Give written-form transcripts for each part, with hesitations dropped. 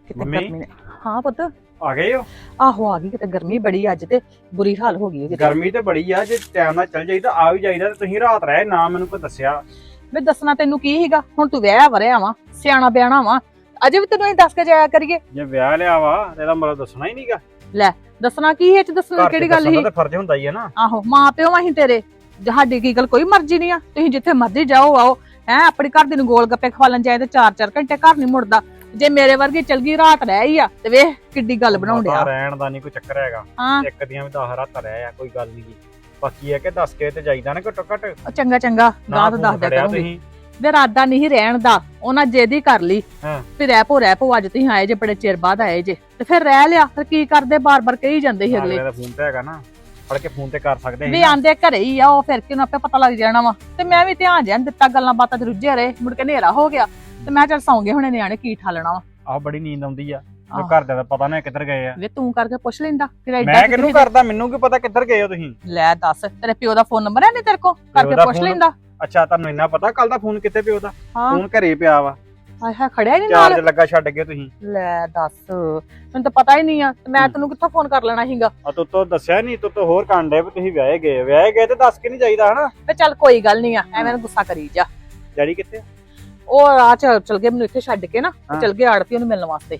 ਕਿਤੇ ਮੰਮੀ? ਗਰਮੀ ਨੇ ਹਾਂ ਪੁੱਤ ਆ ਗਏ ਹੋ? ਆਹੋ ਆ ਗਈ ਕਿਤੇ ਗਰਮੀ ਬੜੀ ਅੱਜ ਤੇ ਬੁਰੀ ਹਾਲ ਹੋ ਗਈ ਕਿਤੇ ਗਰਮੀ ਤੇ ਬੜੀ ਆ, ਜੇ ਟਾਈਮ ਨਾਲ ਚੱਲ ਜਾਈਦਾ ਆ ਵੀ ਜਾਈਦਾ ਤੇ ਤੁਸੀਂ ਰਾਤ ਰਹੇ ਨਾ ਮੈਨੂੰ ਕੋਈ ਦੱਸਿਆ। ਮੈਂ ਦੱਸਣਾ ਤੈਨੂੰ ਕੀ ਸੀਗਾ ਹੁਣ ਤੂੰ ਵਿਆਹ ਵਰਿਆ ਵਾ ਸਿਆਣਾ ਬਿਆਣਾ ਵਾ ਅਜੇ ਵੀ ਤੈਨੂੰ ਅਸੀਂ ਦੱਸ ਕੇ ਜਾਇਆ ਕਰੀਏ ਜੇ ਵਿਆਹ ਲਿਆ ਵਾ ਤੇ ਇਹਦਾ ਮਤਲਬ ਦੱਸਣਾ ਹੀ ਨਹੀਂਗਾ। ਦੱਸਣਾ ਕੀ ਇਹ ਚ ਦੱਸਣ ਦੀ ਕਿਹੜੀ ਗੱਲ ਸੀ ਤੇ ਫਰਜ਼ ਹੁੰਦਾ ਹੀ ਹੈ ਨਾ। ਆਹੋ ਮਾਂ ਪਿਓ ਅਸੀਂ ਤੇਰੇ ਸਾਡੀ ਕੀ ਗੱਲ ਕੋਈ ਮਰਜ਼ੀ ਨਹੀਂ ਆ ਤੁਸੀਂ ਜਿੱਥੇ ਮਰਜ਼ੀ ਜਾਓ ਆਓ ਹੈ ਆਪਣੀ ਘਰ ਦੀ ਨੂੰ ਗੋਲ ਗੱਪੇ ਖਵਾਲਣ ਜਾਏ ਤੇ 4-4 ਘੰਟੇ ਘਰ ਨਹੀਂ ਮੁੜਦਾ ਜੇ ਮੇਰੇ ਵਰਗੀ ਚਲ ਗਈ ਰਾਤ ਰਹਿ ਹੀ ਆ ਤੇ ਵੇਖ ਕਿੱਡੀ ਗੱਲ ਬਣਾਉਣ ਡਿਆ ਰਹਿਣ ਦਾ ਨਹੀਂ ਕੋਈ ਚੱਕਰ ਹੈਗਾ। ਹਾਂ ਇੱਕ ਦੀਆਂ ਵੀ 10 ਰਾਤਾਂ ਰਹਿ ਆ ਕੋਈ ਗੱਲ ਨਹੀਂ। ਬਾਕੀ ਇਹ ਕਿ ਦੱਸ ਕੇ ਤੇ ਜਾਈਦਾ ਨਾ ਘੱਟੋ ਘੱਟ। ਚੰਗਾ ਚੰਗਾ ਗਾਂ ਤਾਂ ਦੱਸ ਦਿਆ ਕਰੂੰਗੀ ਵੇ ਰਾਦਾ ਨਹੀਂ ਰਹਿਣ ਦਾ ਉਹਨਾਂ ਜੇਦੀ ਕਰ ਲਈ ਵੀ ਰਹਿ ਪੋ ਅੱਜ ਤੁਸੀਂ ਆਏ ਜੇ ਬੜੇ ਚਿਰ ਬਾਅਦ ਆਏ ਜੇ ਤੇ ਫਿਰ ਰਹਿ ਲਿਆ ਫਿਰ ਕੀ ਕਰਦੇ ਬਾਰ-ਬਾਰ ਕਹੀ ਜਾਂਦੇ ਸੀ ਅਗਲੇ ਦਾ ਫੋਨ ਤੇ ਹੈਗਾ ਨਾ ਫੜ ਕੇ ਫੋਨ ਤੇ ਕਰ ਸਕਦੇ ਵੀ ਆਂਦੇ ਘਰੇ ਹੀ ਆ ਉਹ ਫਿਰ ਕਿਉਂ ਆਪੇ ਪਤਾ ਲੱਗ ਜਾਣਾ ਵਾ ਤੇ ਮੈਂ ਵੀ ਧਿਆਨ ਜਾਣ ਦਿੱਤਾ ਗੱਲਾਂ ਬਾਤਾਂ ਤੇ ਰੁੱਝੇ ਰਹੇ ਮੁੜ ਕੇ ਹਨੇਰਾ ਹੋ ਗਿਆ ਤੇ ਮੈਂ ਚੱਲ ਸੌਂ ਗਏ ਹੁਣੇ ਨਿਆਣੇ ਕੀ ਠਾਲਣਾ ਵਾ ਆਹ ਬੜੀ ਨੀਂਦ ਆਉਂਦੀ ਆ ਜੋ ਘਰਦਿਆਂ ਦਾ ਪਤਾ ਨਾ ਕਿੱਧਰ ਗਏ ਆ। ਵੇ ਤੂੰ ਕਰਕੇ ਪੁੱਛ ਲੈਂਦਾ ਫਿਰ ਮੈਂ ਕਿਹਨੂੰ ਕਰਦਾ ਮੈਨੂੰ ਕੀ ਪਤਾ ਕਿੱਧਰ ਗਏ ਹੋ ਤੁਸੀਂ। ਲੈ ਦੱਸ ਤੇਰੇ ਪਿਓ ਦਾ ਫੋਨ ਨੰਬਰ ਹੈ ਨਹੀਂ ਤੇਰੇ ਕੋਲ ਕਰਕੇ ਪੁੱਛ ਲੈਂਦਾ। ਅੱਛਾ ਤੁਹਾਨੂੰ ਇੰਨਾ ਪਤਾ ਕੱਲ ਦਾ ਫੋਨ ਕਿੱਥੇ ਪਿਓ ਦਾ? ਹਾਂ ਫੋਨ ਘਰੇ ਪਿਆ ਵਾ। ਹਾਏ ਹਾਏ ਖੜਿਆ ਨਹੀਂ ਨਾਲ ਚਾਰਜ ਲੱਗਾ ਛੱਡ ਗਏ ਤੁਸੀਂ। ਲੈ ਦੱਸ ਮੈਨੂੰ ਤਾਂ ਪਤਾ ਹੀ ਨਹੀਂ ਆ ਮੈਂ ਤੈਨੂੰ ਕਿੱਥੋਂ ਫੋਨ ਕਰ ਲੈਣਾ ਸੀਗਾ। ਆ ਤੂੰ ਦੱਸਿਆ ਨਹੀਂ ਤੂੰ ਹੋਰ ਕਾਂਡੇ ਵੀ ਤੁਸੀਂ ਵਿਆਹੇ ਗਏ ਤੇ ਦੱਸ ਕੇ ਨਹੀਂ ਜਾਈਦਾ ਹਨਾ। ਤੇ ਚੱਲ ਕੋਈ ਗੱਲ ਨਹੀਂ ਆ ਐਵੇਂ ਨਾ ਗੁੱਸਾ ਕਰੀ ਜਾ। ਡੈਡੀ ਕਿੱਥੇ? ਉਹ ਰਾਹ ਚਲ ਗਏ ਮੈਨੂੰ ਇੱਥੇ ਛੱਡ ਕੇ ਨਾ ਚਲ ਗਏ ਆੜਤੀ ਉਹਨੂੰ ਮਿਲਣ ਵਾਸਤੇ।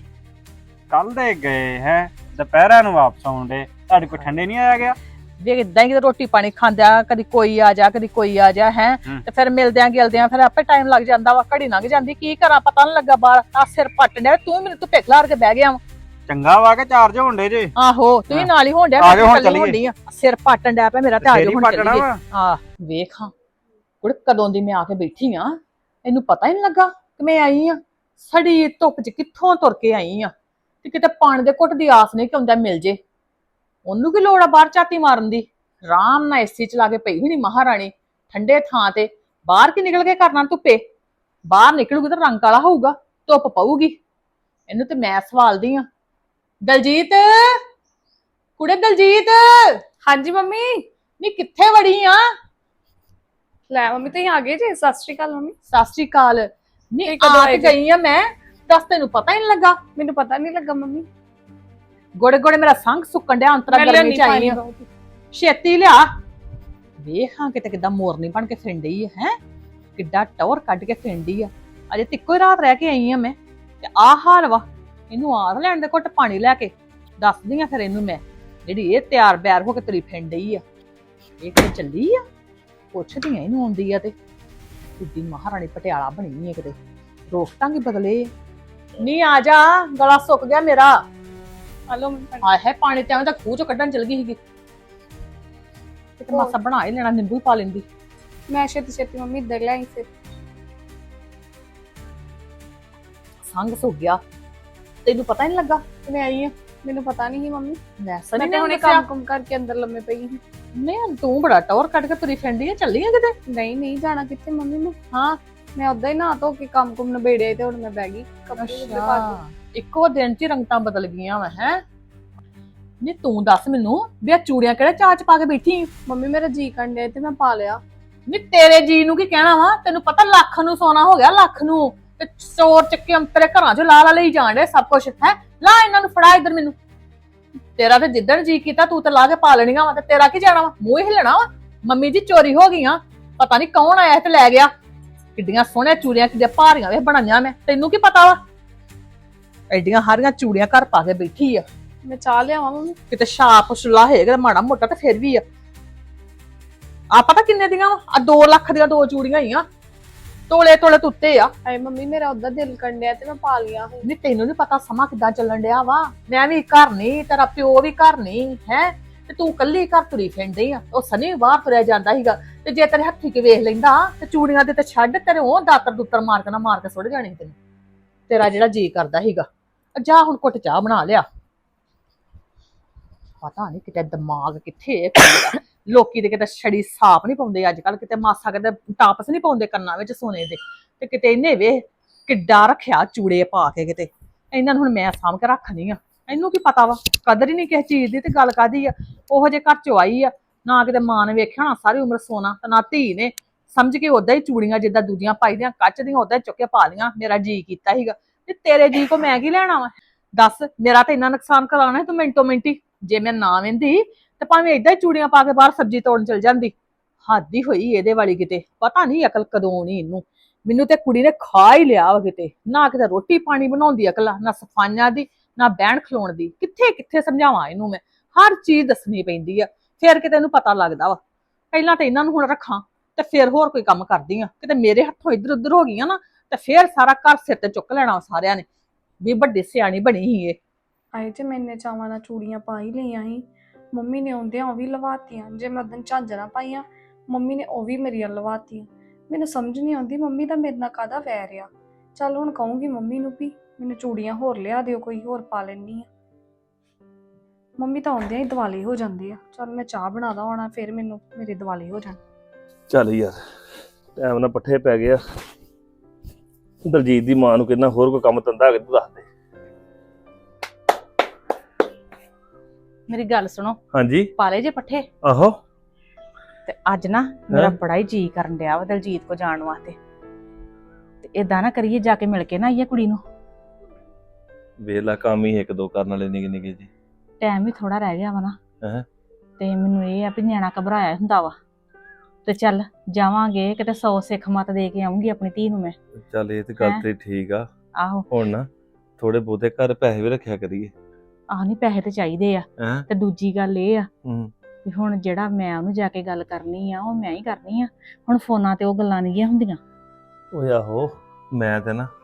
ਕੱਲ ਦੇ ਗਏ ਹੈ ਦੁਪਹਿਰਾਂ ਨੂੰ ਵਾਪਸ ਆਉਂਦੇ ਤੁਹਾਡੇ ਕੋਲ ਠੰਡੇ ਨਹੀਂ ਆਇਆ ਗਿਆ? ਵੀ ਇਦਾਂ ਹੀ ਰੋਟੀ ਪਾਣੀ ਖਾਂਦਿਆਂ ਕਦੀ ਕੋਈ ਆ ਜਾ ਕਦੀ ਕੋਈ ਆ ਜਾ ਹੈ ਤੇ ਫਿਰ ਮਿਲਦਿਆਂ ਗਿਲਦਿਆਂ ਫਿਰ ਆਪੇ ਟਾਈਮ ਲੱਗ ਜਾਂਦਾ ਵਾ ਘੜੀ ਲੰਘ ਜਾਂਦੀ ਕੀ ਕਰਾਂ ਪਤਾ ਨੀ ਲੱਗਾ ਬਾਹਰ ਆ ਸਿਰ ਪੱਟ ਡਿਆ ਤੂੰ ਮੈਨੂੰ ਧੁੱਪੇ ਖਲਾਰ ਕੇ ਬਹਿ ਗਿਆ ਵਾ। ਚੰਗਾ ਵਾ ਕੇ ਚਾਰਜ ਹੋਣ ਡੇ ਜੇ। ਆਹੋ ਤੂੰ ਵੀ ਨਾਲ ਹੀ ਹੋਣ ਡਿਆ ਆ ਜਾਓ ਹੁਣ ਚੱਲੀਏ। ਸਿਰ ਪੱਟਣ ਡਿਆ ਪਿਆ ਮੇਰਾ ਤੇ ਆ ਜਾਓ ਹੁਣ ਚੱਲੀਏ। ਵਾ। ਆ ਵੇਖ ਹਾਂ ਕੁੜੇ ਕਦੋਂ ਦੀ ਮੈਂ ਆ ਕੇ ਬੈਠੀ ਆ ਇਹਨੂੰ ਪਤਾ ਹੀ ਨਹੀਂ ਲੱਗਾ ਕਿ ਮੈਂ ਆਈ ਆ ਸੜੀ ਧੁੱਪ 'ਚ ਕਿੱਥੋਂ ਤੁਰ ਕੇ ਆਈ ਆ ਤੇ ਕਿਤੇ ਪਾਣੀ ਦੇ ਘੁੱਟ ਦੀ ਆਸ ਨਹੀਂ ਕਿ ਆਉਂਦਾ ਮਿਲ ਜੇ ਉਹਨੂੰ ਕੀ ਲੋੜ ਆ ਬਾਹਰ ਝਾਤੀ ਮਾਰਨ ਦੀ। ਆਰਾਮ ਨਾਲ ਏਸੀ ਚਲਾ ਕੇ ਪਈ ਹੋਣੀ ਮਹਾਰਾਣੀ ਠੰਡੇ ਥਾਂ ਤੇ ਬਾਹਰ ਕੀ ਨਿਕਲ ਕੇ ਕਰਨਾ ਧੁੱਪੇ ਬਾਹਰ ਨਿਕਲੂਗੀ ਤਾਂ ਰੰਗ ਕਾਲਾ ਹੋਊਗਾ ਧੁੱਪ ਪਊਗੀ ਇਹਨੂੰ ਤੇ ਮੈਂ ਸਵਾਲਦੀ ਆ। ਦਲਜੀਤ ਕੁੜੇ ਦਲਜੀਤ। ਹਾਂਜੀ ਮੰਮੀ। ਨੀ ਕਿੱਥੇ ਵੜੀ ਆ? ਲੈ ਮੰਮੀ ਤੁਸੀਂ ਆ ਗਏ ਜੀ। ਸਤਿ ਸ਼੍ਰੀ ਅਕਾਲ ਮੰਮੀ। ਸਤਿ ਸ਼੍ਰੀ ਅਕਾਲ। ਨੀ ਆ ਤੇ ਗਈ ਆ ਮੈਂ ਦੱਸ ਤੈਨੂੰ ਪਤਾ ਹੀ ਨਹੀਂ ਲੱਗਾ? ਮੈਨੂੰ ਪਤਾ ਨਹੀਂ ਲੱਗਾ ਮੰਮੀ। ਗੋੜੇ ਗੋੜੇ ਮੇਰਾ ਸੰਗ ਸੁੱਕਣ ਡਿਆ ਅੰਤਰਾ ਗਰਮੀ ਚ ਆਈ ਆ ਛੇਤੀ ਲਿਆ। ਵੇਖ ਹਾਂ ਕਿਤੇ ਕਿੱਦਾਂ ਮੋਰਨੀ ਬਣ ਕੇ ਫਿੰਡੀ ਆ ਹੈ ਕਿੱਡਾ ਟੌਰ ਕੱਢ ਕੇ ਫਿੰਡੀ ਆ ਅਜੇ ਤੇ ਇੱਕੋ ਹੀ ਰਾਤ ਰਹਿ ਕੇ ਆਈ ਆ ਮੈਂ ਤੇ ਆਹ ਹਾਲ ਵਾ ਇਹਨੂੰ ਆਹ ਲੈਣ ਦੇ ਘੁੱਟ ਪਾਣੀ ਲੈ ਕੇ ਦੱਸਦੀ ਆ ਫਿਰ ਇਹਨੂੰ ਮੈਂ ਜਿਹੜੀ ਇਹ ਤਿਆਰ ਬਿਆਰ ਹੋ ਕੇ ਤੁਰੀ ਫਿੰਡੀ ਆ ਇਹ ਕਿਤੇ ਚੱਲੀ ਆ ਪੁੱਛਦੀ ਆ ਇਹਨੂੰ ਆਉਂਦੀ ਆ ਤੇ ਕਿੱਡੀ ਮਹਾਰਾਣੀ ਪਟਿਆਲਾ ਬਣੀ ਆ ਕਿਤੇ ਰੋਕ ਟਾਂਗੀ ਬਦਲੇ ਨਹੀਂ ਆ ਜਾ ਗਲਾ ਸੁੱਕ ਗਿਆ ਮੇਰਾ। ਹਲੋ ਹਾਏ ਹੈ ਪਾਣੀ ਤੇ ਐਵੇਂ ਤਾਂ ਖੂਹ ਚੋਂ ਕੱਢਣ ਚਲ ਗਈ ਸੀਗੀ ਕਿਤੇ ਮਾਸਾ ਬਣਾ ਹੀ ਲੈਣਾ ਨਿੰਬੂ ਪਾ ਲੈਂਦੀ। ਮੈਂ ਛੇਤੀ ਮੰਮੀ ਇੱਧਰ ਲੈ ਆਈ ਫਿਰ ਸੰਗ ਸੁੱਕ ਗਿਆ ਤੈਨੂੰ ਪਤਾ ਹੀ ਨਹੀਂ ਲੱਗਾ ਕਿ ਮੈਂ ਆਈ ਆ? ਮੈਨੂੰ ਪਤਾ ਨਹੀਂ ਸੀ ਮੰਮੀ। ਮੈਂ ਮੈਂ ਤੇ ਹੁਣੇ ਕੰਮ ਕਰਕੇ ਅੰਦਰ ਲੰਮੇ ਪਈ ਸੀ। ਨਹੀਂ ਤੂੰ ਬੜਾ ਟੌਰ ਕੱਢ ਕੇ ਤੁਰੀ ਫਿਰਦੀ ਆ ਚੱਲੀ ਆ ਕਿਤੇ? ਨਹੀਂ ਜਾਣਾ ਕਿੱਥੇ ਮੰਮੀ ਮੈਂ। ਹਾਂ ਮੈਂ ਉਦਾਂ ਹੀ ਨਹਾ ਧੋ ਕੇ ਕੰਮ ਨਬੇੜਿਆ ਤੇ ਹੁਣ ਮੈਂ ਬਹਿ ਗਈ ਕੱਪੜੇ ਪਾ ਕੇ। ਇੱਕੋ ਦਿਨ ਚ ਹੀ ਰੰਗਤਾਂ ਬਦਲ ਗਈਆਂ ਵਾ ਹੈ। ਨਹੀਂ ਤੂੰ ਦੱਸ ਮੈਨੂੰ ਵੀ ਆ ਚੂੜੀਆਂ ਕਿਹੜੇ ਚਾਚ ਪਾ ਕੇ ਬੈਠੀ? ਮੰਮੀ ਮੇਰਾ ਜੀ ਕਰਨ ਤੇ ਮੈਂ ਪਾ ਲਿਆ। ਨਹੀਂ ਤੇਰੇ ਜੀ ਨੂੰ ਕੀ ਕਹਿਣਾ ਵਾ ਤੈਨੂੰ ਪਤਾ ਲੱਖ ਨੂੰ ਸੋਨਾ ਹੋ ਗਿਆ ਲੱਖ ਨੂੰ ਤੇ ਚੋਰ ਚੱਕੇ ਅੰਤਰੇ ਘਰਾਂ ਚੋਂ ਲਾ ਲਈ ਜਾਣ ਡੇ ਸਭ ਕੁਝ ਹੈ। ਲਾ ਇਹਨਾਂ ਨੂੰ ਫੜਾ ਇੱਧਰ ਮੈਨੂੰ ਤੇਰਾ ਤੇ ਜਿੱਦਣ ਜੀ ਕੀਤਾ ਤੂੰ ਤੇ ਲਾ ਕੇ ਪਾ ਲੈਣੀਆਂ ਵਾ ਤੇ ਤੇਰਾ ਕੀ ਜਾਣਾ ਵਾ ਮੂੰਹ ਹੀ ਹਿਲਣਾ ਵਾ। ਮੰਮੀ ਜੀ ਚੋਰੀ ਹੋ ਗਈਆਂ ਪਤਾ ਨਹੀਂ ਕੌਣ ਆਇਆ ਤੇ ਲੈ ਗਿਆ ਕਿੱਡੀਆਂ ਸੋਹਣੀਆਂ ਚੂੜੀਆਂ ਕਿੱਡੇ ਭਾਰੀਆਂ ਵੇ ਬਣਾਈਆਂ ਮੈਂ ਤੈਨੂੰ ਕੀ ਪਤਾ ਵਾ ਐਡੀਆਂ ਹਾਰੀਆਂ ਚੂੜੀਆਂ ਘਰ ਪਾ ਕੇ ਬੈਠੀ ਆ। ਮੈਂ ਚਾਹ ਲਿਆਵਾਂ ਮੰਮੀ? ਕਿਤੇ ਛਾਪ ਛੁਲਾ ਹੈਗਾ ਮਾੜਾ ਮੋਟਾ ਤੇ ਫਿਰ ਵੀ ਆ ਪਤਾ ਕਿੰਨੇ ਦੀਆਂ ਆ 2 ਲੱਖ ਦੀਆਂ 2 ਚੂੜੀਆਂ ਹੀ ਆ ਤੋਲੇ ਤੋਲੇ ਤੁੱਤੇ ਆ। ਹਾਏ ਮੰਮੀ ਮੇਰਾ ਉਦਾਂ ਦਿਲ ਕੰਡਿਆ ਤੇ ਮੈਂ ਪਾ ਲਿਆ। ਨਹੀਂ ਤੈਨੂੰ ਨੀ ਪਤਾ ਸਮਾਂ ਕਿੱਦਾਂ ਚੱਲਣ ਡਿਆ ਵਾ ਮੈਂ ਵੀ ਘਰ ਨਹੀਂ ਤੇਰਾ ਪਿਓ ਵੀ ਘਰ ਨਹੀਂ ਹੈ ਤੇ ਤੂੰ ਕੱਲੀ ਘਰ ਤੁਰੀ ਫਿਰਦੀ ਆ। ਉਹ ਸਨੀ ਬਾਹਰ ਤੁਰਿਆ ਜਾਂਦਾ ਸੀਗਾ ਤੇ ਜੇ ਤੇਰੇ ਹੱਥੀ ਕੇ ਵੇਖ ਲੈਂਦਾ ਤੇ ਚੂੜੀਆਂ ਦੇ ਤੇ ਛੱਡ ਤੇਰੇ ਉਹ ਦਾਤਰ ਦੁੱਤਰ ਮਾਰ ਕੇ ਸੁੱਟ ਜਾਣੀ ਤੈਨੂੰ ਤੇਰਾ ਜਿਹੜਾ ਜੀ ਕਰਦਾ ਸੀਗਾ। ਜਾ ਹੁਣ ਘੁੱਟ ਚਾਹ ਬਣਾ ਲਿਆ। ਪਤਾ ਨਹੀਂ ਕਿਤੇ ਦਿਮਾਗ ਕਿੱਥੇ ਲੋਕੀ ਦੇ ਕਿਤੇ ਛੜੀ ਸਾਫ ਨਹੀਂ ਪਾਉਂਦੇ ਅੱਜ ਕੱਲ ਕਿਤੇ ਮਾਸਾ ਕਿਤੇ ਟਾਪਸ ਨਹੀਂ ਪਾਉਂਦੇ ਕੰਨਾਂ ਵਿੱਚ ਸੋਨੇ ਦੇ ਤੇ ਕਿਤੇ ਇਹਨੇ ਵੇਖ ਕਿੱਡਾ ਰੱਖਿਆ ਚੂੜੇ ਪਾ ਕੇ ਕਿਤੇ ਇਹਨਾਂ ਨੂੰ ਹੁਣ ਮੈਂ ਸਾਂਭ ਕੇ ਰੱਖਣੀ ਆ। ਇਹਨੂੰ ਕੀ ਪਤਾ ਵਾ ਕਦਰ ਹੀ ਨਹੀਂ ਕਿਸੇ ਚੀਜ਼ ਦੀ ਤੇ ਗੱਲ ਕਾਦੀ ਆ ਉਹੋ ਜੇ ਘਰ ਚੋਂ ਆਈ ਆ ਨਾ ਕਿਤੇ ਮਾਂ ਨੇ ਵੇਖਿਆ ਨਾ ਸਾਰੀ ਉਮਰ ਸੋਨਾ ਤੇ ਨਾ ਧੀ ਨੇ ਸਮਝ ਕੇ ਉਦਾਂ ਹੀ ਚੂੜੀਆਂ ਜਿੱਦਾਂ ਦੂਜੀਆਂ ਪਾਈਦੀਆਂ ਕੱਚ ਦੀਆਂ ਉਦਾਂ ਹੀ ਚੁੱਕ ਕੇ ਪਾ ਲੀਆਂ। ਮੇਰਾ ਜੀ ਕੀਤਾ ਸੀਗਾ ਤੇ ਤੇਰੇ ਜੀ ਕੋ ਮੈਂ ਕੀ ਲੈਣਾ ਵਾ ਦੱਸ ਮੇਰਾ ਤਾਂ ਇੰਨਾ ਨੁਕਸਾਨ ਕਰਾਉਣਾ ਤੂੰ ਮਿੰਟੋ ਮਿੰਟੀ। ਜੇ ਮੈਂ ਨਾ ਵਹਿੰਦੀ ਤੇ ਭਾਵੇਂ ਏਦਾਂ ਹੀ ਚੂੜੀਆਂ ਪਾ ਕੇ ਬਾਹਰ ਸਬਜ਼ੀ ਤੋੜਨ ਚਲ ਜਾਂਦੀ। ਹੱਦ ਹੀ ਹੋਈ ਇਹਦੇ ਵਾਲੀ ਕਿਤੇ, ਪਤਾ ਨਹੀਂ ਅਕਲ ਕਦੋਂ ਆਉਣੀ ਇਹਨੂੰ। ਮੈਨੂੰ ਤੇ ਕੁੜੀ ਨੇ ਖਾ ਹੀ ਲਿਆ ਵਾ ਕਿਤੇ, ਨਾ ਕਿਤੇ ਰੋਟੀ ਪਾਣੀ ਬਣਾਉਂਦੀ ਅਕਲ ਆ, ਨਾ ਸਫਾਈਆਂ ਦੀ, ਨਾ ਬਹਿਣ ਖਲੋਣ ਦੀ। ਕਿੱਥੇ ਕਿੱਥੇ ਸਮਝਾਵਾਂ ਇਹਨੂੰ ਮੈਂ, ਹਰ ਚੀਜ਼ ਦੱਸਣੀ ਪੈਂਦੀ ਆ ਫਿਰ ਕਿਤੇ ਇਹਨੂੰ ਪਤਾ ਲੱਗਦਾ ਵਾ। ਪਹਿਲਾਂ ਤਾਂ ਇਹਨਾਂ ਨੂੰ ਹੁਣ ਰੱਖਾਂ ਤੇ ਫਿਰ ਹੋਰ ਕੋਈ ਕੰਮ ਕਰਦੀ ਆ। ਕਿਤੇ ਮੇਰੇ ਹੱਥੋਂ ਇੱਧਰ ਉੱਧਰ ਹੋ ਗਈਆਂ ਨਾ ਤੇ ਫਿਰ ਸਾਰਾ ਘਰ ਸਿਰ ਤੇ ਚੁੱਕ ਲੈਣਾ ਸਾਰਿਆਂ ਨੇ ਵੀ ਵੱਡੀ ਸਿਆਣੀ ਬਣੀ ਸੀ ਇਹ। ਆਏ ਤੇ ਮੈਨੇ ਚਾਵਾਂ ਨਾਲ ਚੂੜੀਆਂ ਪਾ ਹੀ ਲਈਆਂ ਸੀ, ਮੰਮੀ ਨੇ ਆਉਂਦਿਆਂ ਉਹ ਵੀ ਲਵਾਤੀਆਂ। ਜੇ ਮੈਂ ਉਦੋਂ ਝਾਂਜਰਾਂ ਪਾਈਆਂ, ਮੰਮੀ ਨੇ ਉਹ ਵੀ ਮੇਰੀਆਂ ਲਵਾਤੀਆਂ। ਮੈਨੂੰ ਸਮਝ ਨਹੀਂ ਆਉਂਦੀ ਮੰਮੀ ਦਾ ਮੇਰੇ ਨਾਲ ਕਾਹਦਾ ਵੈਰ ਆ। ਚੱਲ ਹੁਣ ਕਹੂੰਗੀ ਮੰਮੀ ਨੂੰ ਵੀ ਮੈਨੂੰ ਚੂੜੀਆਂ ਹੋਰ ਲਿਆ ਦਿਓ, ਕੋਈ ਹੋਰ ਪਾ ਲੈਣੀ ਆ। ਮੰਮੀ ਤਾਂ ਆਉਂਦਿਆਂ ਹੀ ਦਿਵਾਲੇ ਹੋ ਜਾਂਦੇ ਆ। ਚੱਲ ਮੈਂ ਚਾਹ ਬਣਾਦਾ ਹੋਣਾ, ਫਿਰ ਮੈਨੂੰ ਮੇਰੇ ਦਿਵਾਲੇ ਹੋ ਜਾਣ। ਚੱਲ ਯਾਰ ਟਾਈਮ ਨਾਲ ਪੱਠੇ ਪੈ ਗਿਆ। ਦਲਜੀਤ ਦੀ ਮਾਂ ਨੂੰ ਕਿੰਨਾ ਹੋਰ ਕੋਈ ਕੰਮ ਧੰਦਾ ਹੈਗਾ ਤੂੰ ਦੱਸ ਦੇ। ਮੇਰੀ ਗੱਲ ਸੁਣੋ, ਹਾਂਜੀ ਪਾਲੇ ਜੇ ਪੱਠੇ? ਆਹੋ ਤੇ ਅੱਜ ਨਾ ਮੇਰਾ ਬੜਾ ਹੀ ਜੀ ਕਰਨ ਡਿਆ ਵਾ ਦਲਜੀਤ ਕੋ ਜਾਣ ਵਾਸਤੇ। ਤੇ ਏਦਾਂ ਨਾ ਕਰੀਏ, ਜਾ ਕੇ ਮਿਲ ਕੇ ਨਾ ਆਈਏ ਕੁੜੀ ਨੂੰ। ਵੇਲਾ ਕੰਮ ਹੀ ਇੱਕ ਦੋ ਕਰਨ ਵਾਲੇ ਨਿੱਕੇ ਨਿੱਕੇ ਜੀ। ਟਾਈਮ ਵੀ ਥੋੜਾ ਰਹਿ ਗਿਆ ਵਾ ਨਾ। ਹੈਂ? ਤੇ ਮੈਨੂੰ ਇਹ ਆ ਵੀ ਨਿਆਣਾ ਘਬਰਾਇਆ ਹੁੰਦਾ ਵਾ। ਤੇ ਚੱਲ ਜਾਵਾਂਗੇ ਕਿਤੇ 100 ਸਿੱਖ ਮਤ ਦੇ ਕੇ ਆਉਂਗੀ ਆਪਣੀ ਧੀ ਨੂੰ ਮੈਂ। ਚੱਲ ਇਹ ਤੇ ਗੱਲ ਤੇ ਠੀਕ ਆ। ਆਹੋ ਹੁਣ ਨਾ ਥੋੜੇ ਬਹੁਤੇ ਘਰ ਪੈਸੇ ਵੀ ਰੱਖਿਆ ਕਰੀਏ। ਆਹ ਨਹੀਂ, ਪੈਸੇ ਤੇ ਚਾਹੀਦੇ ਆ। ਹੈਂ? ਤੇ ਦੂਜੀ ਗੱਲ ਇਹ ਆ ਹੂੰ ਵੀ ਹੁਣ ਜਿਹੜਾ ਮੈਂ ਉਹਨੂੰ ਜਾ ਕੇ ਗੱਲ ਕਰਨੀ ਆ ਉਹ ਮੈਂ ਹੀ ਕਰਨੀ ਆ। ਹੁਣ ਫੋਨਾਂ ਤੇ ਉਹ ਗੱਲਾਂ ਨਹੀਂ ਗੀਆਂ ਹੁੰਦੀਆਂ। ਓਏ ਆਹੋ ਮੈਂ ਤੇ ਨਾ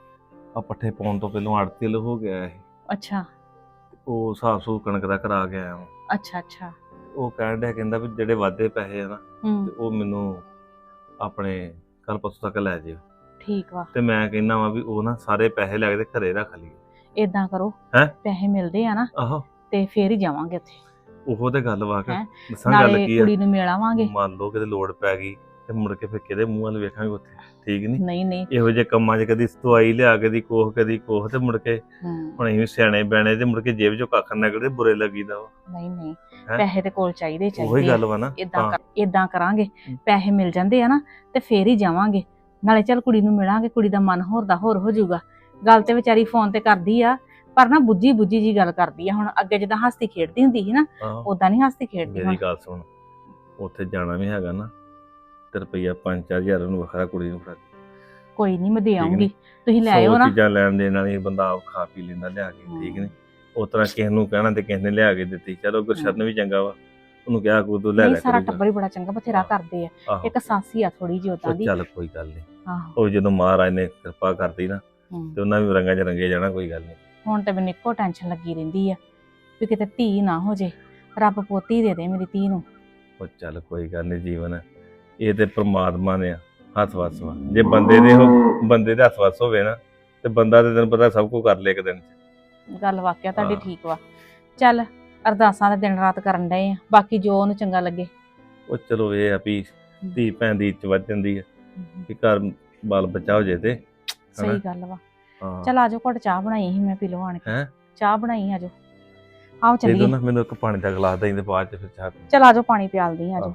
ਆ ਪੱਠੇ ਪਾਉਣ ਤੋਂ ਪਹਿਲਾਂ ਆੜਤੀ ਹੋ ਗਿਆ ਇਹ। ਅੱਛਾ ਉਹ ਹਿਸਾਬ ਸੂ ਕਣਕ ਦਾ ਕਰਾ ਕੇ ਆਇਆ ਵਾਂ। ਅੱਛਾ ਅੱਛਾ। ਉਹ ਕਹਿਣ ਡਿਆ, ਕਹਿੰਦਾ ਵੀ ਜਿਹੜੇ ਵਾਧੇ ਪੈਸੇ ਆ ਨਾ ਤੇ ਉਹ ਮੈਨੂੰ ਆਪਣੇ ਕੱਲ ਪਰਸੋਂ ਤੱਕ ਲੈ ਜਿਓ। ਠੀਕ ਵਾ। ਤੇ ਮੈਂ ਕਹਿੰਦਾ ਵਾ ਵੀ ਉਹ ਨਾ ਸਾਰੇ ਪੈਸੇ ਲੈ ਕੇ ਤੇ ਘਰੇ ਰੱਖ ਲਈਏ। ਏਦਾਂ ਕਰੋ, ਹੈਂ? ਪੈਸੇ ਮਿਲਦੇ ਆ ਨਾ ਆਹੋ ਤੇ ਫੇਰ ਹੀ ਜਾਵਾਂਗੇ ਉੱਥੇ। ਉਹੋ ਤੇ ਗੱਲ ਵਾ ਕੇ ਹੈਂ? ਦੱਸਾਂ ਗੱਲ ਨਾਲੇ ਕੀ ਆ। ਕੁੜੀ ਨੂੰ ਮਿਲ ਆਵਾਂਗੇ। ਮੰਨ ਲਓ ਕਿਤੇ ਲੋੜ ਪੈ ਗਈ ਤੇ ਮੁੜ ਕੇ ਫਿਰ ਕਿਹਦੇ ਮੂੰਹ ਵੱਲ ਵੇਖਾਂਗੇ ਉੱਥੇ। ਠੀਕ ਨਹੀਂ ਨਹੀਂ ਨਹੀਂ। ਇਹੋ ਜਿਹੇ ਕੰਮਾਂ 'ਚ ਕਦੀ ਦਵਾਈ ਲਿਆ ਕਦੀ ਕੋਹ ਤੇ ਮੁੜ ਕੇ ਹੂੰ ਹੁਣ ਅਸੀਂ ਵੀ ਸਿਆਣੇ ਬੈਣੇ ਤੇ ਮੁੜ ਕੇ ਜੇਬ 'ਚੋਂ ਕੱਖ ਨਿਕਲਦੇ ਬੁਰੇ ਲੱਗੀਦਾ ਵਾ। ਨਹੀਂ ਨਹੀਂ, ਹੈਂ? ਪੈਸੇ ਤੇ ਕੋਲ ਚਾਹੀਦੇ ਉਹੀ ਚਾਹੀਦੇ ਗੱਲ ਵਾ ਨਾ। ਏਦਾਂ ਕਰਾਂਗੇ, ਪੈਸੇ ਮਿਲ ਜਾਂਦੇ ਆ ਨਾ ਤੇ ਫੇਰ ਹੀ ਜਾਵਾਂਗੇ। ਨਾਲੇ ਚੱਲ ਕੁੜੀ ਨੂੰ ਮਿਲਾਂਗੇ, ਕੁੜੀ ਦਾ ਮਨ ਹੋਰ ਦਾ ਹੋਰ ਹੋ ਜਾਊਗਾ। ਗੱਲ ਤੇ ਵਿਚਾਰੀ ਫੋਨ ਤੇ ਕਰਦੀ ਆ ਪਰ ਨਾ ਬੁੱਝੀ ਜੀ ਗੱਲ ਕਰਦੀ ਆ। ਹੁਣ ਅੱਗੇ ਜਿੱਦਾਂ ਹੱਸਦੀ ਖੇਡਦੀ ਹੁੰਦੀ ਸੀ ਨਾ, ਉਦਾਂ ਨਹੀਂ ਹੱਸਦੀ ਖੇਡਦੀ ਹੁਣ। ਮੇਰੀ ਗੱਲ ਸੁਣ, ਉੱਥੇ ਜਾਣਾ ਵੀ ਹੈਗਾ ਨਾ ਤੇ ਰੁਪਈਆ 5-4 ਹਜ਼ਾਰ ਉਹਨੂੰ ਵੱਖਰਾ ਕੁੜੀ ਨੂੰ ਫੜਾ। ਕੋਈ ਨਹੀਂ, ਮੈਂ ਦੇ ਆਉਂਗੀ, ਤੁਸੀਂ ਲੈ 100 ਆਇਓ ਨਾ। ਚੀਜ਼ਾਂ ਲੈਣ ਦੇਣ ਵਾਲੀ ਬੰਦਾ ਆਪ ਖਾ ਪੀ ਲੈਂਦਾ ਲਿਆ ਕੇ। ਠੀਕ ਨੇ ਉਸ ਤਰ੍ਹਾਂ ਕਿਸੇ ਨੂੰ ਕਹਿਣਾ ਤੇ ਕਿਸੇ ਨੇ ਲਿਆ ਕੇ ਦਿੱਤੀ। ਚਲੋ ਗੁਰਸ਼ਰਨ ਵੀ ਚੰਗਾ ਵਾ, ਉਹਨੂੰ ਕਿਹਾ ਕੋ ਤੂੰ ਲੈ ਨਹੀਂ, ਲੈ ਸਾਰਾ ਕਰੂਗਾ। ਟੱਬਰ ਹੀ ਬੜਾ ਚੰਗਾ, ਬਥੇਰਾ ਕਰਦੇ ਆ। ਆਹੋ ਇੱਕ ਸਾਸੀ ਆ ਥੋੜੀ ਜਿਹੀ ਉਦਾਂ ਉਹ ਦੀ। ਚੱਲ ਕੋਈ ਗੱਲ ਨਹੀਂ। ਆਹੋ ਉਹ ਜਦੋਂ ਮਹਾਰਾਜ ਨੇ ਕਿਰਪਾ ਕਰਦੀ ਨਾ ਹੂੰ। ਤੇ ਉਹਨਾਂ ਵੀ ਰੰਗਾਂ 'ਚ ਰੰਗੇ ਜਾਣਾ। ਕੋਈ ਗੱਲ ਨਹੀਂ। ਹੁਣ ਤੇ ਮੈਨੂੰ ਇੱਕੋ ਟੈਨਸ਼ਨ ਲੱਗੀ ਰਹਿੰਦੀ ਆ ਵੀ ਕਿਤੇ ਧੀ ਨਾ ਹੋ ਜੇ। ਰੱਬ ਪੋਤੀ ਦੇ ਦੇ ਮੇਰੀ ਧੀ ਨੂੰ। ਉਹ ਚੱਲ ਕੋਈ ਗੱਲ ਨਹੀਂ, ਜੀਵਨ ਇਹ ਤੇ ਪ੍ਰਮਾਤਮਾ ਨੇ ਹੱਥ ਵੱਸ ਵਾ। ਜੇ ਬੰਦੇ ਦੇ ਹੱਥ ਵੱਸ ਹੋਵੇ ਨਾ ਤੇ ਬੰਦਾ ਤੇ ਤੈਨੂੰ ਪਤਾ ਸਭ ਕੁਝ ਕਰ ਲੇ ਇੱਕ ਦਿਨ 'ਚ। ਗੱਲ ਵਾਕਿਆ ਤੁਹਾਡੀ ਹਾਂ। ਠੀਕ ਵਾ। ਚੱਲ ਅਰਦਾਸਾਂ ਦੇ ਦਿਨ ਰਾਤ ਕਰਨ ਡਏ ਆ, ਬਾਕੀ ਜੋ ਉਹਨੂੰ ਚੰਗਾ ਲੱਗੇ। ਉਹ ਚਲੋ ਇਹ ਆ ਵੀ ਧੀ ਭੈਣ ਦੀ ਇੱਜ਼ਤ ਵੱਧ ਜਾਂਦੀ ਹੈ ਕਿ ਘਰ ਬਾਲ ਬੱਚਾ ਹੋ ਜੇ ਤੇ। ਸਹੀ ਗੱਲ ਵਾ। ਹਾਂ ਚੱਲ ਆਜੋ, ਘੁੱਟ ਚਾਹ ਬਣਾਈ ਸੀ ਮੈਂ, ਪੀ ਲਓ ਆਣ ਕੇ। ਹੈਂ? ਚਾਹ ਬਣਾਈ, ਆਜੋ ਆਓ ਦੇ ਚੱਲੀਏ। ਦੋ ਨਾ ਮੈਨੂੰ ਇੱਕ ਪਾਣੀ ਦਾ ਗਲਾਸ ਦੇਈਂ ਤੇ ਬਾਅਦ 'ਚ ਫਿਰ ਚਾਹ ਪੀ। ਚੱਲ ਆਜੋ, ਪਾਣੀ ਪਿਆਲਦੀ ਆਜੋ।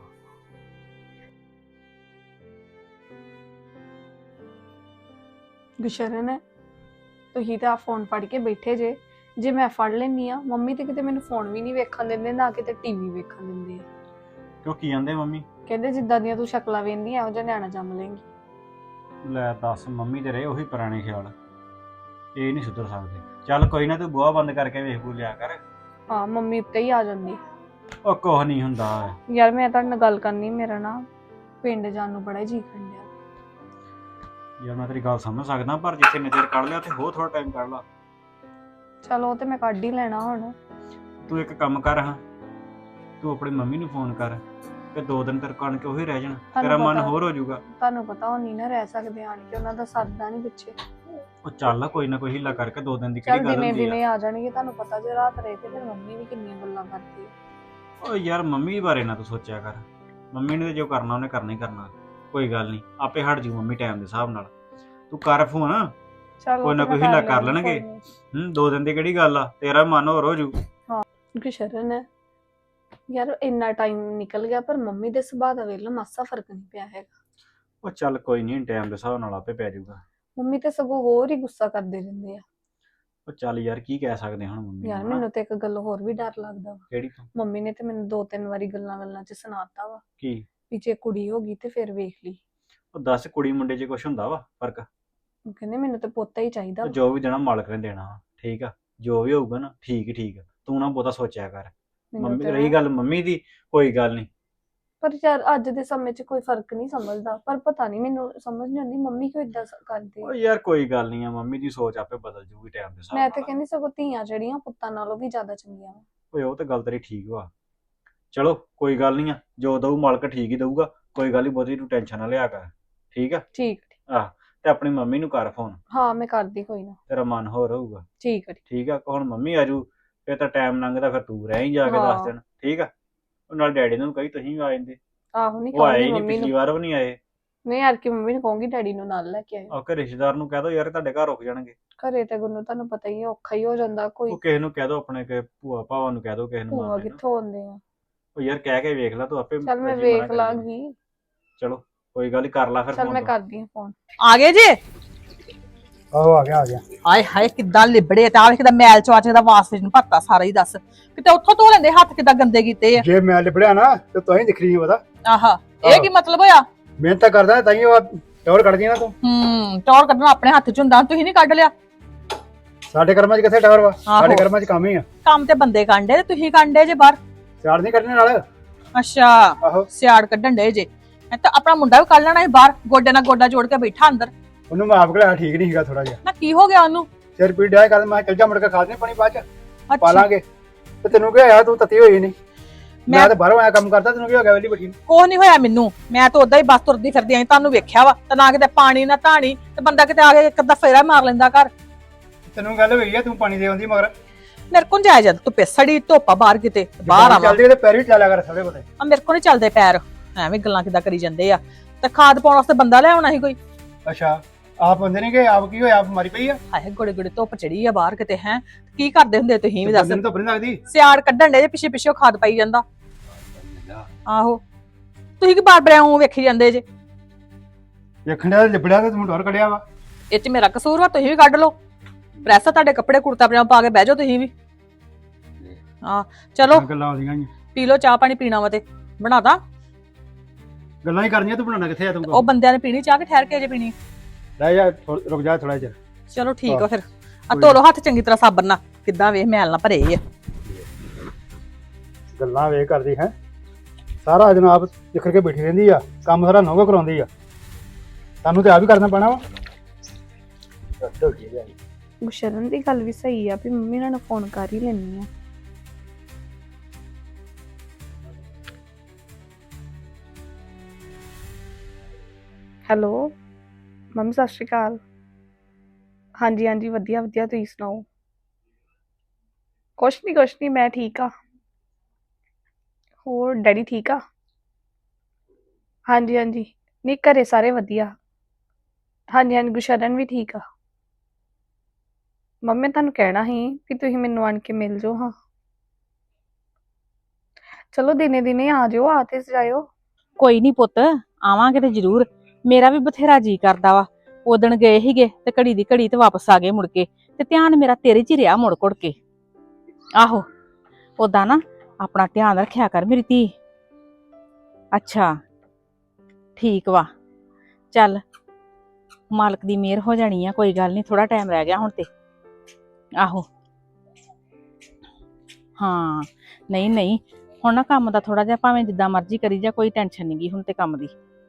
ਗੁਸ਼ਰਨ, ਤੁਸੀਂ ਤਾਂ ਫੋਨ ਫੜ ਕੇ ਬੈਠੇ ਜੇ ਮੈਂ ਫੜ ਲੈਣੀ ਆ। ਮੰਮੀ ਤੇ ਕਿਤੇ ਮੈਨੂੰ ਫੋਨ ਵੀ ਨਹੀਂ ਵੇਖਣ ਦਿੰਦੇ, ਨਾ ਕਿਤੇ ਟੀਵੀ ਵੇਖਣ ਦਿੰਦੇ ਆ। ਕਿਉਂ ਕੀ ਜਾਂਦੇ ਮੰਮੀ? ਕਹਿੰਦੇ ਜਿੱਦਾਂ ਦੀਆਂ ਤੂੰ ਸ਼ਕਲਾਂ ਵੇਂਦੀ ਇਹੋ ਜਿਹਾ ਨਿਆਣਾ ਜੰਮ ਲੇਂਗੀ। ਲੈ ਦੱਸ, ਮੰਮੀ ਦੇ ਰਹੇ ਉਹੀ ਪੁਰਾਣੇ ਖਿਆਲ, ਇਹ ਨਹੀਂ ਸੁਧਰ ਸਕਦੇ। ਚੱਲ ਕੋਈ ਨਾ, ਤੂੰ ਬੂਹਾ ਬੰਦ ਕਰਕੇ ਵੇਖ ਬੂ ਲਿਆ ਕਰ। ਹਾਂ, ਮੰਮੀ ਉੱਤੇ ਹੀ ਆ ਜਾਂਦੀ। ਉਹ ਕੁਛ ਨਹੀਂ ਹੁੰਦਾ। ਯਾਰ ਮੈਂ ਤੁਹਾਡੇ ਨਾਲ ਗੱਲ ਕਰਨੀ, ਮੇਰਾ ਨਾ ਪਿੰਡ ਜਾਣ ਨੂੰ ਬੜਾ ਜੀ ਖੰਡਿਆ। ਯਾਰ ਮੈਂ ਤੇਰੀ ਗੱਲ ਸਮਝ ਸਕਦਾ, ਪਰ ਜਿੱਥੇ ਨਜ਼ਰ ਕੱਢ ਲਿਆ ਤੇ ਹੋਰ ਥੋੜਾ ਟਾਈਮ ਕੱਢ ਲਾ। ਚਲੋ ਉਹ ਤੇ ਮੈਂ ਕੱਢ ਹੀ ਲੈਣਾ ਹੁਣ। ਤੂੰ ਇੱਕ ਕੰਮ ਕਰ, ਹਾਂ ਤੂੰ ਆਪਣੀ ਮੰਮੀ ਨੂੰ ਫੋਨ ਕਰ ਤੇ 2 ਦਿਨ ਤੇਰੇ ਕਣ ਕੇ ਉਹੀ ਰਹਿ ਜਾਣ, ਤੇਰਾ ਮਨ ਹੋਰ ਹੋ ਜਾਊਗਾ। ਤੁਹਾਨੂੰ ਪਤਾ ਉਹ ਨਹੀਂ ਨਾ ਰਹਿ ਸਕਦੇ ਆਣ ਕੇ, ਉਹਨਾਂ ਦਾ ਸਰਦਾ ਨਹੀਂ ਪਿੱਛੇ। ਉਹ ਚੱਲ ਕੋਈ ਨਾ ਕੋਈ ਹਿੱਲਾ ਕਰਕੇ 2 ਦਿਨ ਦੀ ਚੱਲ ਕਿਹੜੀ ਗੱਲ ਦਿਨੇ ਹੁੰਦੀ ਦਿਨੇ ਆ। ਆ ਜਾਣਗੇ। ਤੁਹਾਨੂੰ ਪਤਾ ਜੇ ਰਾਤ ਰਹੇ ਤੇ ਫਿਰ ਮੰਮੀ ਵੀ ਕਿੰਨੀਆਂ ਗੱਲਾਂ ਕਰਦੀ ਹੈ। ਓ ਯਾਰ ਮੰਮੀ ਬਾਰੇ ਨਾ ਤੂੰ ਸੋਚਿਆ ਕਰ, ਮੰਮੀ ਨੇ ਤੇ ਜੋ ਕਰਨਾ ਉਹਨੇ ਕਰਨਾ ਹੀ ਕਰਨਾ। ਕੋਈ ਗੱਲ ਨਹੀਂ, ਆਪੇ ਹਟ ਜੂ ਮੰਮੀ ਟਾਈਮ ਦੇ ਹਿਸਾਬ ਨਾਲ। ਤੂੰ ਕਰ ਫੋਨ, ਚਲ ਕੋਈ ਨਾ ਕੋਈ ਹਿੱਲਾ ਕਰ ਲੈਣਗੇ। 2 ਦਿਨ ਦੀ ਕਿਹੜੀ ਗੱਲ ਆ, ਤੇਰਾ ਮਨ ਹੋਰ ਹੋ ਜੂ। ਗੁਸ਼ਰਨ ਹੈ ਯਾਰ, ਇੰਨਾ ਟਾਈਮ ਨਿਕਲ ਗਿਆ ਪਰ ਮੰਮੀ ਦੇ ਸੁਭਾਅ ਦਾ ਵੇਖ ਲਾ, ਮਾਸਾ ਫਰਕ ਨਹੀਂ ਪਿਆ ਹੈਗਾ। ਉਹ ਚੱਲ ਕੋਈ ਨਹੀਂ, ਟਾਈਮ ਦੇ ਹਿਸਾਬ ਨਾਲ ਆਪੇ ਪੈ ਜਾਊਗਾ। ਮੰਮੀ ਤੇ ਸਗੋਂ ਹੋਰ ਹੀ ਗੁੱਸਾ ਕਰਦੇ ਰਹਿੰਦੇ ਆ। ਉਹ ਚੱਲ ਯਾਰ ਕੀ ਕਹਿ ਸਕਦੇ ਹੁਣ ਮੰਮੀ ਯਾਰ ਨੂੰ, ਹਨਾ? ਮੈਨੂੰ ਤੇ ਇੱਕ ਗੱਲ ਹੋਰ ਵੀ ਡਰ ਲੱਗਦਾ ਵਾ। ਕਿਹੜੀ ਤੋਂ? ਮੰਮੀ ਨੇ ਤੇ ਮੈਨੂੰ 2-3 ਵਾਰੀ ਗੱਲਾਂ 'ਚ ਸੁਣਾਤਾ ਵਾ ਕੀ? ਵੀ ਜੇ ਕੁੜੀ ਹੋ ਗਈ ਤੇ ਫਿਰ ਵੇਖ ਲਈ। ਉਹ ਦੱਸ, ਕੁੜੀ ਮੁੰਡੇ 'ਚ ਕੁਛ ਹੁੰਦਾ ਵਾ ਫਰਕ? ਉਹ ਕਹਿੰਦੇ ਮੈਨੂੰ ਤੇ ਪੁੱਤ ਹੀ ਚਾਹੀਦਾ ਉਹ ਵਾ। ਜੋ ਵੀ ਦੇਣਾ ਮਾਲਕ ਨੇ ਦੇਣਾ ਵਾ, ਠੀਕ ਆ? ਜੋ ਵੀ ਹੋਊਗਾ ਨਾ ਠੀਕ ਹੀ ਠੀਕ ਆ, ਤੂੰ ਨਾ ਬਹੁਤਾ ਸੋਚਿਆ ਕਰ। ਮੈਨੂੰ ਮੰਮੀ ਤੇ ਰਹੀ ਗੱਲ ਮੰਮੀ ਦੀ, ਕੋਈ ਗੱਲ ਨਹੀਂ। ਪਰ ਯਾਰ ਅੱਜ ਦੇ ਸਮੇਂ 'ਚ ਕੋਈ ਫਰਕ ਨਹੀਂ ਸਮਝਦਾ, ਪਰ ਪਤਾ ਨਹੀਂ ਮੈਨੂੰ ਸਮਝ ਨਹੀਂ ਆਉਂਦੀ ਮੰਮੀ ਕਿਉਂ ਇਦਾਂ ਕਰਦੀ ਉਹ ਆ। ਯਾਰ ਕੋਈ ਗੱਲ ਨਹੀਂ ਆ, ਮੰਮੀ ਦੀ ਸੋਚ ਆਪੇ ਬਦਲ ਜੂਗੀ ਟਾਈਮ ਦੇ ਹਿਸਾਬ ਮੈਂ ਤੇ ਨਾਲ। ਕਹਿੰਦੀ ਸਗੋਂ ਧੀਆਂ ਜਿਹੜੀਆਂ ਪੁੱਤਾਂ ਨਾਲੋਂ ਵੀ ਜ਼ਿਆਦਾ ਚੰਗੀਆਂ ਵਾ। ਓਏ ਉਹ ਤਾਂ ਗੱਲ ਤੇਰੀ ਠੀਕ ਵਾ। ਚਲੋ ਕੋਈ ਗੱਲ ਨਹੀਂ ਆ, ਜੋ ਦਊ ਮਾਲਕ ਠੀਕ ਹੀ ਦਊਗਾ, ਕੋਈ ਗੱਲ ਨਹੀਂ, ਬਹੁਤੀ ਤੂੰ ਟੈਨਸ਼ਨ ਨਾ ਲਿਆ ਕਰ, ਠੀਕ ਆ? ਠੀਕ। ਆਹ, ਤੇ ਆਪਣੀ ਮੰਮੀ ਨੂੰ ਕਰ ਫੋਨ, ਹਾਂ ਮੈਂ ਕਰਦੀ ਕੋਈ ਨਾ। ਤੇਰਾ ਮਨ ਹੋਰ ਹੋਊਗਾ। ਠੀਕ ਹੈ। ਠੀਕ ਆ? ਹੁਣ ਮੰਮੀ ਆਜੂ ਫਿਰ ਤਾਂ ਟਾਈਮ ਲੰਘਦਾ, ਫਿਰ ਤੂੰ ਰਹਿ ਹੀ ਜਾ ਕੇ ਹਾਂ। 10 ਦਿਨ, ਠੀਕ ਆ? ਉਹ ਨਾਲ ਡੈਡੀ ਨੂੰ ਕਹੀ ਤੁਸੀਂ ਵੀ ਆ ਜਾਂਦੇ। ਆਹੋ ਨਹੀਂ ਉਹ ਆਏ ਕਹੂੰਗੀ ਹੀ ਨਹੀਂ, ਮੰਮੀ ਪਿਛਲੀ ਨੂੰ। ਵਾਰ ਵੀ ਨਹੀਂ ਆਏ। ਨਹੀਂ ਯਾਰ ਕਿ ਮੰਮੀ ਨੂੰ ਕਹੂੰਗੀ ਡੈਡੀ ਨੂੰ ਨਾਲ ਲੈ ਕੇ ਆਇਓ। ਆਹ ਕਿ ਰਿਸ਼ਤੇਦਾਰ ਨੂੰ ਕਹਿ ਦੋ ਯਾਰ ਤੁਹਾਡੇ ਘਰ ਰੁਕ ਜਾਣਗੇ। ਘਰੇ ਤੇ ਗੁੰਨੂ ਤੁਹਾਨੂੰ ਪਤਾ ਹੀ ਹੈ ਔਖਾ ਹੀ ਹੋ ਜਾਂਦਾ, ਕੋਈ ਉਹ ਕਿਸੇ ਨੂੰ ਕਹਿ ਦੋ, ਆਪਣੇ ਕੇ ਭੂਆ ਭਾਵਾਂ ਨੂੰ ਕਹਿ ਦੋ, ਕਿਸੇ ਨੂੰ ਭੂਆ ਮਾਮੇ ਨੂੰ। ਕਿੱਥੋਂ ਆਉਂਦੇ ਆ। ਉਹ ਯਾਰ ਕਹਿ ਕੇ ਵੇਖ ਲੈ ਤੂੰ ਆਪੇ। ਚੱਲ ਮੈਂ ਰਾਜੀ ਮਨਾ ਵੇਖ ਕਰੀ ਲਾਂਗੀ। ਚਲੋ ਕੋਈ ਗੱਲ ਨੀ, ਕਰ ਲੈ ਫਿਰ ਚੱਲ phone ਮੈਂ ਤੂੰ। ਕਰਦੀ ਹਾਂ ਫੋਨ। ਆ ਗਏ ਜੇ? ਆਹੋ ਆ ਗਿਆ। ਹਾਏ ਹਾਏ ਕਿੱਦਾਂ ਲਿਬੜੇ ਤੇ ਆ ਵੇਖ ਕਿੱਦਾਂ ਮੈਲ ਚਵਾਚ ਦਾ ਵਾਸਤੇ ਨੂੰ ਭੱਤਾ ਸਾਰਾ ਹੀ ਦੱਸ, ਕਿਤੇ ਉੱਥੋਂ ਧੋ ਲੈਂਦੇ, ਹੱਥ ਕਿੱਦਾਂ ਗੰਦੇ ਕੀਤੇ ਆ। ਜੇ ਮੈਂ ਲਿਬੜਿਆ ਨਾ ਤੇ ਤੁਸੀਂ ਦਿਖ ਰਹੀ ਪਤਾ। ਆਹਾ, ਇਹ ਕੀ ਮਤਲਬ ਹੋਇਆ? ਮਿਹਨਤ ਤਾਂ ਕਰਦਾ ਤਾਂ ਹੀ ਉਹ ਟੌਰ ਕੱਢਦੀ ਨਾ ਤੂੰ। ਟੌਰ ਕੱਢਣਾ ਆਪਣੇ ਹੱਥ ਚ ਹੁੰਦਾ, ਤੁਸੀਂ ਨਹੀਂ ਕੱਢ ਲਿਆ। ਸਾਡੇ ਕਰਮਾਂ 'ਚ ਕਿੱਥੇ ਟੌਰ ਵਾ? ਆਹੋ। ਸਾਡੇ ਕਰਮਾਂ 'ਚ ਕੰਮ ਹੀ ਆ। ਕੰਮ ਤੇ ਬੰਦੇ ਕਾਂਡੇ ਤੇ ਤੁਸੀਂ ਕਾਂਡੇ ਜੇ ਬਾਹਰ। ਸਿਆੜ ਨਹੀਂ ਕੱਢਣੇ ਨਾਲ। ਅੱਛਾ, ਆਹੋ, ਸਿਆੜ ਕੱਢਣ ਡੇ ਜੇ। ਇਹ ਤਾਂ ਆਪਣਾ ਮੁੰਡਾ ਵੀ ਕੱਢ ਲੈਣਾ ਸੀ ਬਾਹਰ, ਗੋਡੇ ਨਾਲ ਗੋਡਾ ਜੋੜ ਕੇ ਬੈਠਾ ਅੰਦਰ। ਉਹਨੂੰ ਮੈਂ ਆਪ ਘਲਾਇਆ, ਠੀਕ ਨਹੀਂ ਸੀਗਾ ਥੋੜਾ ਜਿਹਾ। ਨਾ ਕੀ ਹੋ ਗਿਆ ਉਹਨੂੰ? ਸਿਰ ਪੀੜ ਡਿਆ ਕਰ, ਮੈਂ ਚੱਲ ਜਾ ਮੁੜ ਕੇ ਖਾ ਦੇ ਪਾਣੀ ਬਾਅਦ 'ਚ ਪਾ ਅੱਛਾ, ਲਾਂਗੇ। ਤੇ ਤੈਨੂੰ ਕੀ ਹੋਇਆ? ਤੂੰ ਤੱਤੀ ਹੋਈ ਨਹੀਂ। ਮੈਂ ਮੈਂ ਤਾਂ ਬਾਹਰੋਂ ਆਇਆ ਕੰਮ ਕਰਦਾ, ਤੈਨੂੰ ਕੀ ਹੋ ਗਿਆ ਵੇਲੀ ਬੈਠੀ ਨੂੰ? ਕੋਹ ਨਹੀਂ ਹੋਇਆ ਮੈਨੂੰ, ਮੈਂ ਤਾਂ ਉਦਾਂ ਹੀ ਬਸ ਤੁਰਦੀ ਫਿਰਦੀ ਆਂ, ਤੁਹਾਨੂੰ ਵੇਖਿਆ ਵਾ ਤੇ ਨਾ ਕਿਤੇ ਪਾਣੀ ਨਾ ਧਾਣੀ, ਤੇ ਬੰਦਾ ਕਿਤੇ ਆ ਕੇ ਇੱਕ ਅੱਧਾ ਫੇਰਾ ਮਾਰ ਲੈਂਦਾ ਘਰ। ਤੈਨੂੰ ਗੱਲ ਹੋਈ ਆ, ਤੂੰ ਪਾਣੀ ਦੇ ਆਉਂਦੀ ਮਗਰ। ਮੇਰੇ ਕੋਲ ਜਾਇਆ ਜਦ ਧੁੱਪੇ ਸੜੀ ਧੁੱਪਾ ਬਾਹਰ ਕਿਤੇ ਬਾਹਰ ਆਵਾਂ। ਚੱਲਦੀ ਤੇ ਪੈਰ ਵੀ ਚੱਲਿਆ ਕਰ ਸਾਰੇ ਬਤੇ। ਆ ਮੇਰੇ ਕੋਲ ਨਹੀਂ ਚੱਲਦੇ ਪੈਰ, ਐਵੇਂ ਗੱਲਾਂ ਕਿੱਦਾਂ ਕਰੀ ਜਾਂਦੇ ਆ। ਤੇ ਖਾਦ ਪਾਉਣ ਵਾਸਤੇ ਬੰਦਾ ਲੈ ਆਉਣਾ ਸੀ ਕੋਈ। ਅੱਛਾ, ਆਪ ਬੰਦੇ ਨੇ ਕਿ ਆਪ ਕੀ ਹੋਇਆ? ਆਪ ਮਾਰੀ ਪਈ ਆ। ਹਾਏ ਗੋੜੇ ਗੋੜੇ ਧੁੱਪ ਚੜੀ ਆ ਬਾਹਰ ਕਿਤੇ, ਹੈ ਕੀ ਕਰਦੇ ਹੁੰਦੇ ਤੁਸੀਂ ਵੀ ਦੱਸ? ਬੰਦੇ ਨੂੰ ਧੁੱਪ ਨੀ ਲੱਗਦੀ। ਸਿਆੜ ਕੱਢਣ ਦੇ ਜੇ ਪਿੱਛੇ ਪਿੱਛੇ ਉਹ ਖਾਦ ਪਾਈ ਜਾਂਦਾ। ਆਹੋ, ਤੁਸੀਂ ਕੀ ਬਾਰ ਬਾਰ ਵੇਖੀ ਜਾਂਦੇ ਜੇ? ਵੇਖਣ ਦਾ ਲਿਬੜਿਆ ਤੇ ਤੂੰ ਟੌਰ ਕੱਢਿਆ ਵਾ। ਇਹ ਚ ਮੇਰਾ ਕਸੂਰ ਵਾ? ਤੁਸੀਂ ਵੀ ਕੱਢ ਲਓ ਪ੍ਰੈਸ, ਤੁਹਾਡੇ ਕੱਪੜੇ ਕੁੜਤਾ ਪਜਾਮਾ ਪਾ ਕੇ ਬਹਿ ਜਾਓ ਤੁਸੀਂ ਵੀ। ਹਾਂ ਚਲੋ ਗੱਲਾਂ ਆਉਂਦੀਆਂ ਹੀ ਪੀ ਲਓ ਚਾਹ ਪਾਣੀ, ਪੀਣਾ ਵਾ ਤੇ ਬਣਾਦਾ। ਗੱਲਾਂ ਹੀ ਕਰਨੀਆਂ, ਤੂੰ ਬਣਾਉਣਾ ਕਿੱਥੇ ਆ ਤੂੰ? ਉਹ ਬੰਦਿਆਂ ਨੇ ਪੀਣੀ ਚਾਹ ਕਿ ਠਹਿਰ ਕੇ ਜੇ ਪੀਣੀ? ਰਹਿ ਜਾ, ਰੁਕ ਜਾ ਥੋੜਾ ਜਿਹਾ। ਚਲੋ ਠੀਕ ਆ ਫਿਰ। ਆ ਧੋ ਲਓ ਹੱਥ ਚੰਗੀ ਤਰ੍ਹਾਂ ਸਾਬਣ ਨਾਲ, ਕਿੱਦਾਂ ਵੇਖ ਮੈਲ ਨਾ ਭਰੇ ਆ। ਗੱਲਾਂ ਵੇ ਕਰਦੀ ਹੈ ਸਾਰਾ ਜਨਾਬ ਜਿਖਰ ਕੇ ਬੈਠੀ ਰਹਿੰਦੀ ਆ, ਕੰਮ ਸਾਰਾ ਨੌਗਾ ਕਰਾਉਂਦੀ ਆ। ਤੁਹਾਨੂੰ ਤੇ ਆ ਵੀ ਕਰਨਾ ਪੈਣਾ ਵਾ। ਗੁਸ਼ਰਨ ਦੀ ਗੱਲ ਵੀ ਸਹੀ ਆ ਵੀ ਮੰਮੀ ਨਾਲ ਫੋਨ ਕਰ ਹੀ ਲੈਣੀ ਆ। ਹੈਲੋ ਮੰਮੀ, ਸਤਿ ਸ਼੍ਰੀ ਅਕਾਲ। ਹਾਂਜੀ ਹਾਂਜੀ, ਵਧੀਆ ਵਧੀਆ, ਤੁਸੀਂ ਸੁਣਾਓ? ਕੁਛ ਨਹੀਂ ਮੈਂ ਠੀਕ ਆ। ਹੋਰ ਡੈਡੀ ਠੀਕ ਆ? ਹਾਂਜੀ ਹਾਂਜੀ, ਨਹੀਂ ਘਰੇ ਸਾਰੇ ਵਧੀਆ। ਹਾਂਜੀ ਹਾਂਜੀ, ਗੁਸ਼ਰਨ ਵੀ ਠੀਕ ਆ। ਮੰਮੀ ਤੁਹਾਨੂੰ ਕਹਿਣਾ ਸੀ ਕਿ ਤੁਸੀਂ ਮੈਨੂੰ ਆਣ ਕੇ ਮਿਲ ਜਾਓ। ਹਾਂ ਚਲੋ ਦਿਨੇ ਦਿਨੇ ਆ ਜਾਓ, ਆ ਤੇ ਜਾਇਓ। ਕੋਈ ਨਹੀਂ ਪੁੱਤ, ਆਵਾਂਗੇ ਤੇ ਜ਼ਰੂਰ। ਮੇਰਾ ਵੀ ਬਥੇਰਾ ਜੀ ਕਰਦਾ ਵਾ। ਉਦਣ ਗਏ ਸੀਗੇ ਤੇ ਘੜੀ ਦੀ ਘੜੀ ਤੇ ਵਾਪਸ ਆ ਗਏ ਮੁੜ ਕੇ, ਤੇ ਧਿਆਨ ਮੇਰਾ ਤੇਰੇ 'ਚ ਹੀ ਰਿਹਾ ਮੁੜ ਕੁੜ ਕੇ। ਆਹੋ, ਉਦਾਂ ਨਾ ਆਪਣਾ ਧਿਆਨ ਰੱਖਿਆ ਕਰ ਮੇਰੀ ਧੀ। ਅੱਛਾ ਠੀਕ ਵਾ, ਚੱਲ ਮਾਲਕ ਦੀ ਮਿਹਰ ਹੋ ਜਾਣੀ ਆ, ਕੋਈ ਗੱਲ ਨਹੀਂ, ਥੋੜਾ ਟਾਈਮ ਰਹਿ ਗਿਆ ਹੁਣ ਤੇ। ਆਹੋ ਹਾਂ, ਨਹੀਂ ਨਹੀਂ ਹੁਣ ਨਾ ਕੰਮ ਦਾ ਥੋੜਾ ਜਿਹਾ ਭਾਵੇਂ ਜਿੱਦਾਂ ਮਰਜ਼ੀ ਕਰੀ ਜਾ, ਕੋਈ ਟੈਨਸ਼ਨ ਨਹੀਂ ਗੀ ਹੁਣ ਤੇ ਕੰਮ ਦੀ।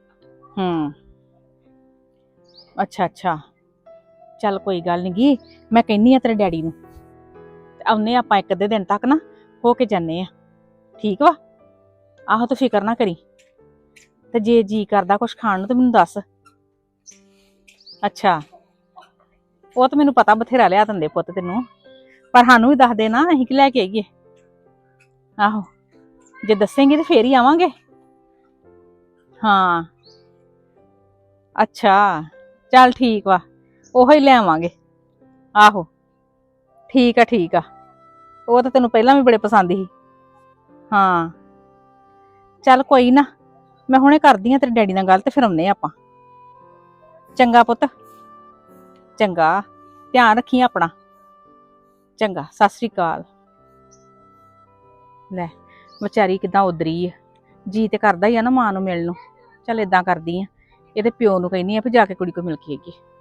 ਅੱਛਾ ਅੱਛਾ, ਚੱਲ ਕੋਈ ਗੱਲ ਨੀ ਗੀ, ਮੈਂ ਕਹਿੰਨੀ ਆ ਤੇਰੇ ਡੈਡੀ ਨੂੰ, ਆਉਨੇ ਆਪਾਂ ਇੱਕ ਅੱਧੇ ਦਿਨ ਤੱਕ ਨਾ ਹੋ ਕੇ ਜਾਂਦੇ ਆ, ਠੀਕ ਵਾ? ਆਹੋ ਤੂੰ ਫਿਕਰ ਨਾ ਕਰੀ, ਤੇ ਜੇ ਜੀ ਕਰਦਾ ਕੁਛ ਖਾਣ ਨੂੰ ਤੇ ਮੈਨੂੰ ਦੱਸ। ਅੱਛਾ, ਉਹ ਤਾਂ ਮੈਨੂੰ ਪਤਾ ਬਥੇਰਾ ਲਿਆ ਦਿੰਦੇ ਪੁੱਤ ਤੈਨੂੰ, ਪਰ ਸਾਨੂੰ ਵੀ ਦੱਸ ਦੇ ਨਾ, ਅਸੀਂ ਕੀ ਲੈ ਕੇ ਆਈਏ। ਆਹੋ ਜੇ ਦੱਸੇਂਗੀ ਤੇ ਫੇਰ ਹੀ ਆਵਾਂਗੇ। ਹਾਂ ਅੱਛਾ ਚੱਲ ਠੀਕ ਵਾ, ਉਹੋ ਹੀ ਲੈ ਆਵਾਂਗੇ। ਆਹੋ ਠੀਕ ਆ ਠੀਕ ਆ, ਉਹ ਤਾਂ ਤੈਨੂੰ ਪਹਿਲਾਂ ਵੀ ਬੜੇ ਪਸੰਦ ਸੀ। ਹਾਂ ਚੱਲ ਕੋਈ ਨਾ, ਮੈਂ ਹੁਣੇ ਕਰਦੀ ਆ ਤੇਰੇ ਡੈਡੀ ਨਾਲ ਗੱਲ ਤੇ ਫਿਰ ਆਉਂਦੇ ਆਪਾਂ। ਚੰਗਾ ਪੁੱਤ, ਚੰਗਾ, ਧਿਆਨ ਰੱਖੀ ਆਪਣਾ। ਚੰਗਾ, ਸਤਿ ਸ੍ਰੀ ਅਕਾਲ। ਲੈ ਵਿਚਾਰੀ ਕਿਦਾਂ ਉਦਰੀ ਆ, ਜੀ ਤੇ ਕਰਦਾ ਹੀ ਆ ਨਾ ਮਾਂ ਨੂੰ ਮਿਲਣ ਨੂੰ। ਚੱਲ ਇਦਾਂ ਕਰਦੀ ਆ, ਇਹਦੇ ਪਿਓ ਨੂੰ ਕਹਿੰਦੀ ਆ ਵੀ ਜਾ ਕੇ ਕੁੜੀ ਕੋ ਮਿਲ ਕੇ ਆਈਏ।